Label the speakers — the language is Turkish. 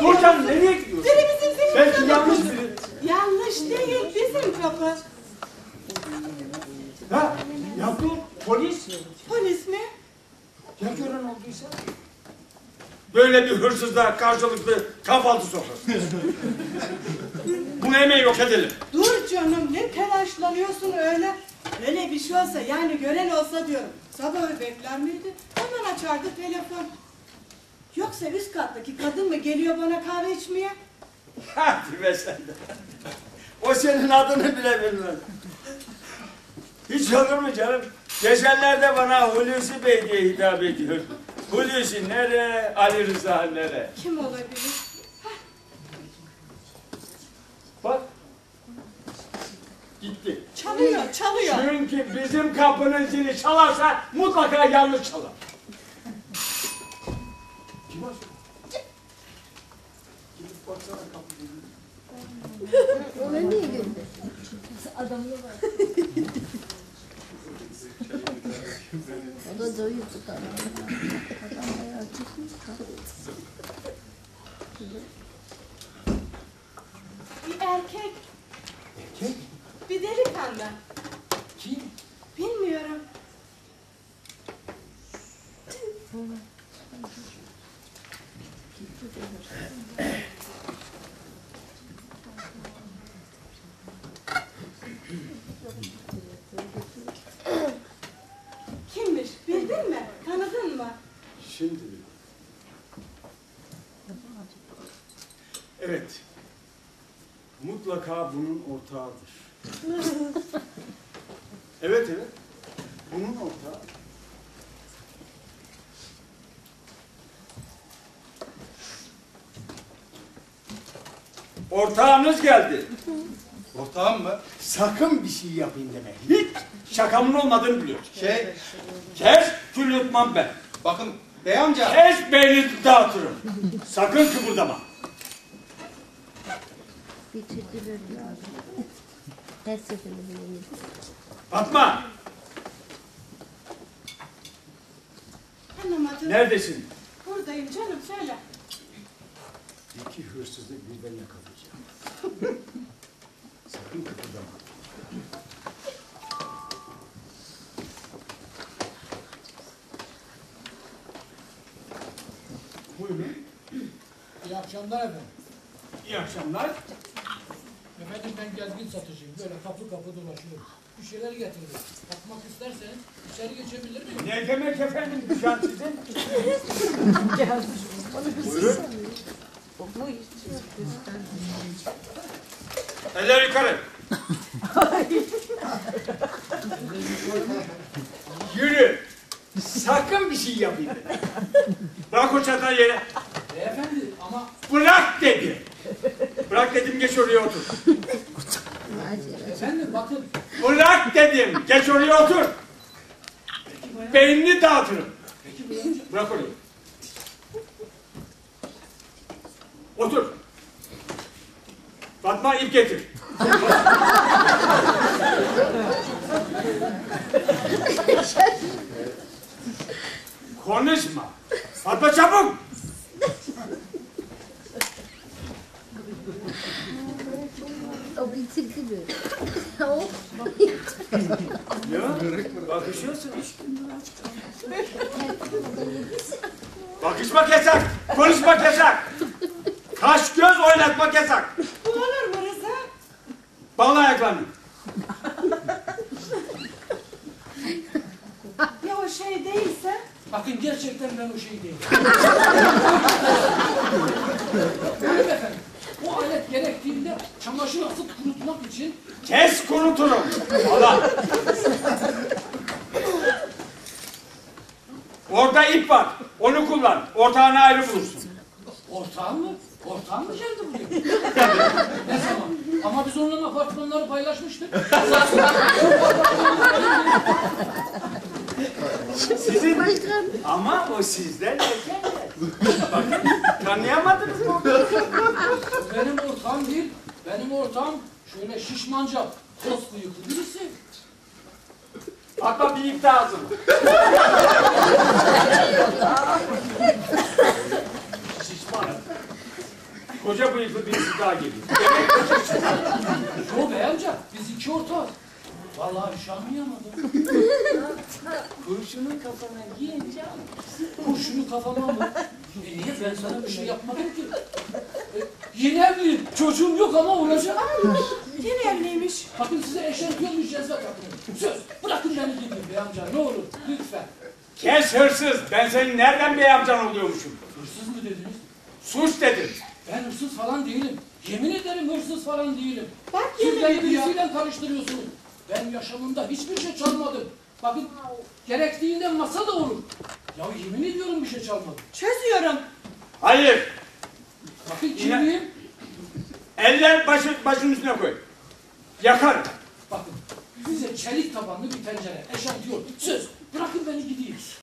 Speaker 1: Dur canım, nereye gidiyorsun?
Speaker 2: Biri bizim senin
Speaker 1: Belki
Speaker 2: kapı.
Speaker 1: yanlış biri.
Speaker 2: Yanlış değil, bizim kapı.
Speaker 1: Ha? Ya dur, polis.
Speaker 2: Polis mi?
Speaker 1: Ya gören olduysa? Böyle bir hırsızla karşılıklı kahvaltı sofrası. Bunu hemen yok edelim.
Speaker 2: Dur canım, ne telaşlanıyorsun öyle? Öyle bir şey olsa, yani gören olsa diyorum. Sabahı bekler miydi? Hemen açardı telefon. Yoksa üst kattaki kadın mı geliyor bana kahve içmeye?
Speaker 1: Hadi be sen de. O senin adını bile bilmez. Hiç olur mu canım? Geçenlerde bana Hulusi Bey diye hitap ediyor. Hulusi nere, Ali Rıza nere?
Speaker 2: Kim olabilir?
Speaker 1: Bak. Gitti.
Speaker 2: Çalıyor, çalıyor.
Speaker 1: Çünkü bizim kapının zili çalarsa mutlaka yanlış çalar. Kim açıyor? Gidip baksana kapıyı.
Speaker 3: Ona niye gönder? Adamla var. O da doyuyor tutar. Adam bayağı çıkmış.
Speaker 2: Bir erkek,
Speaker 1: Erkek?
Speaker 2: bir delikanlı.
Speaker 1: Kim?
Speaker 2: Bilmiyorum. Kimmiş? Bildin mi? Tanıdın mı?
Speaker 1: Şimdi. Evet. Mutlaka bunun ortağıdır. Evet. Bunun ortağı. Ortağınız geldi.
Speaker 4: Ortağım mı?
Speaker 1: Sakın bir şey yapayım deme. Hiç şakamın olmadığını biliyorsun. Kes kül yutmam ben.
Speaker 4: Bakın bey amca.
Speaker 1: Kes beyni dağıtırım. Sakın kıpırdama.
Speaker 3: Bitirdiler ya. Her seferinde böyle.
Speaker 1: Fatma.
Speaker 2: Anlamadım.
Speaker 1: Neredesin?
Speaker 2: Buradayım canım, söyle.
Speaker 1: İki hırsızı birden yakalayacağım. Sakın kıpırdama. Buyurun.
Speaker 5: İyi akşamlar efendim.
Speaker 1: İyi akşamlar.
Speaker 5: Efendim ben gezgin satıcıyım. Böyle kapı kapı dolaşıyorum. Bir şeyler getirdim. Bakmak isterseniz içeri geçebilir miyim?
Speaker 1: Ne demek efendim dükkan sizin? Buyurun. Eller yukarı. Yürü. Sakın bir şey yapayım. Bırak o çantayı yere.
Speaker 5: Beyefendi ama...
Speaker 1: Bırak dedim. Bırak dedim, geç oraya otur.
Speaker 5: Efendim bakın.
Speaker 1: Bırak dedim, geç oraya otur. Beynini dağıtırım. Bırak orayı. Otur. Fatma, ip getir. Konuşma. Fatma çabuk.
Speaker 3: O bitirdi böyle. O.
Speaker 1: Ya, bakışıyorsun işte. Bakışmak yasak, konuşmak yasak. Kaş göz oynatmak yasak.
Speaker 2: Bu olur mu Rıza?
Speaker 1: Bağla ayaklarını.
Speaker 2: Ya o şey değilse?
Speaker 5: Bakın gerçekten ben o şey değilim. Hayır efendim. O alet gerektiğinde çamaşır asıp kurutmak için...
Speaker 1: Kes, kuruturum. Allah. Orada ip var. Onu kullan. Ortağını ayrı bulursun.
Speaker 5: Ortağım mı? Ortağım mı geldi buraya? Ne zaman? Ama biz onunla apartmanları paylaşmıştık.
Speaker 1: Sizin ama o sizden erken. Bakın, tanıyamadınız mı?
Speaker 5: Benim ortağım değil. Benim ortağım şöyle şişmanca, toz bıyıklı birisi.
Speaker 1: Fatma, bir ip daha hazır. Şişman. koca bıyıklı birisi daha geliyor.
Speaker 5: Yo bey amca, biz iki ortağız. Vallahi hiç anlayamadım.
Speaker 1: Kurşunu kafana giyince
Speaker 5: Kurşunu kafama mı? Niye ben sana bir şey yapmadım ki? Yeni evliyim, çocuğum yok ama olacak.
Speaker 2: Yine evliymiş.
Speaker 5: Bakın size eşertiyormuş cezve takın. Söz, bırakın beni gideyim bey amca, ne olur, lütfen.
Speaker 1: kes hırsız. Ben senin nereden bey amcan oluyormuşum?
Speaker 5: Hırsız mı dediniz?
Speaker 1: Suç dedim.
Speaker 5: Ben hırsız falan değilim. Yemin ederim hırsız falan değilim.
Speaker 2: Bak
Speaker 5: Siz
Speaker 2: yemin
Speaker 5: beni
Speaker 2: ediyor.
Speaker 5: birisiyle karıştırıyorsunuz. Ben yaşamımda hiçbir şey çalmadım. Bakın gerektiğinde masa da olur. Ya yemin ediyorum bir şey çalmadım.
Speaker 2: Çözüyorum.
Speaker 1: Hayır.
Speaker 5: Bakın kimliğim.
Speaker 1: Eller başın üstüne koy. Yakarım.
Speaker 5: Bakın size çelik tabanlı bir tencere, eşantiyon. Söz bırakın beni gideyim.